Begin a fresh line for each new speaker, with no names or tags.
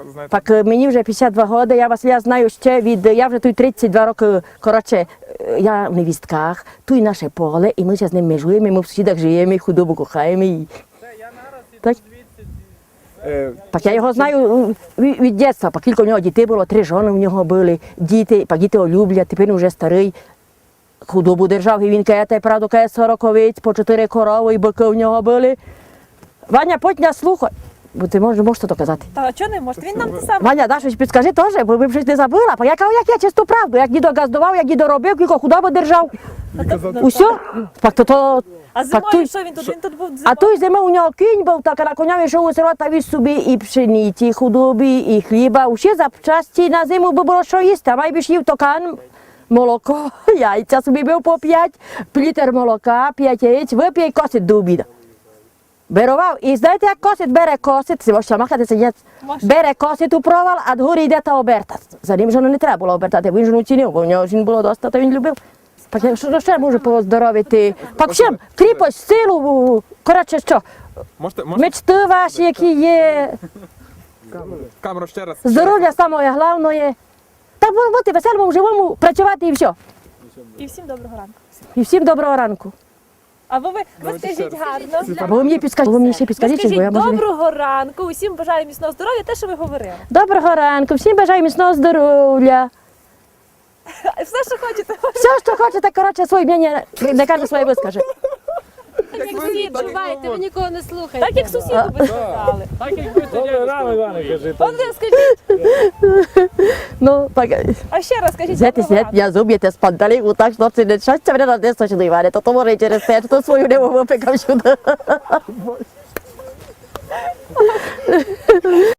знаєте?
Так мені вже 52 роки, я знаю ще я вже тут 32 роки, коротше, я в невістках, тут наше поле, і ми ще з ним межуємо, і ми в сусідах живемо, і худобу кохаємо. І... Так? Так я його знаю від дитинства, по кілька в нього дітей було, 3 жони в нього були, діти, по діти люблять, тепер він вже старий. Худобу держав, і він каже, правду, каже, 40 овець, по 4 корови, і бики в нього були. Ваня, потня слухай, бо ти можеш то казати.
Та чого не може? Він нам те саме.
Ваня, да, щось підскажи теж, бо ви б щось не забула. Я кажу, як я чисту правду, як дідо газдував, як дідо робив, кілько худобу держав. Усе? Так то...
А зимою що він тут? Він тут був
А
зимою.
той зимою у нього кінь був, так, а на коня йшов у село та віз собі і пшениці, і худобі, і хліба. Усі запчасті на зиму би було що їсти, а майбіж їв токан, молоко, яйця собі бив по 5, літр молока, 5 яєць, вип'є і косить до обіду. Берував, і знаєте, як косить, бере косить, ви можете махати сидять, бере косить у провал, а дгорі йде та оберта. За ним жону не треба було обертати, він жону цінив, бо в нього жін було доста, то він любив. Так що ще можу поздоровити? Так всім, кріпость, силу, коротше що,
Можете
мечти ваші, які є,
камеру ще раз?
здоров'я саме головне. Так бути веселому, живому, працювати і все.
І всім доброго ранку.
І всім доброго ранку.
А ви скажіть гарно.
Або ви мені ще підскажіть,
Ви
бо я
скажіть
можу не...
доброго ранку, усім бажаю міцного здоров'я, те, що ви говорили.
Доброго ранку, всім бажаю міцного здоров'я.
Все, що хочете.
Все, що хочете, коротше, своє мнення, не каже своє вискаже.
Так як всі відчуваєте, ви нікого не слухаєте.
Так як сусіду ви сказали.
Добре, рано, Іване, кажи.
От ви скажіть,
Ну, так,
а ще раз скажіть
знаєте,
доброго ранку.
я зуб'єте з панталіку, так, що це не щастя мене на десь точно, Іване, то то може і через те, що свою не випекав сюди.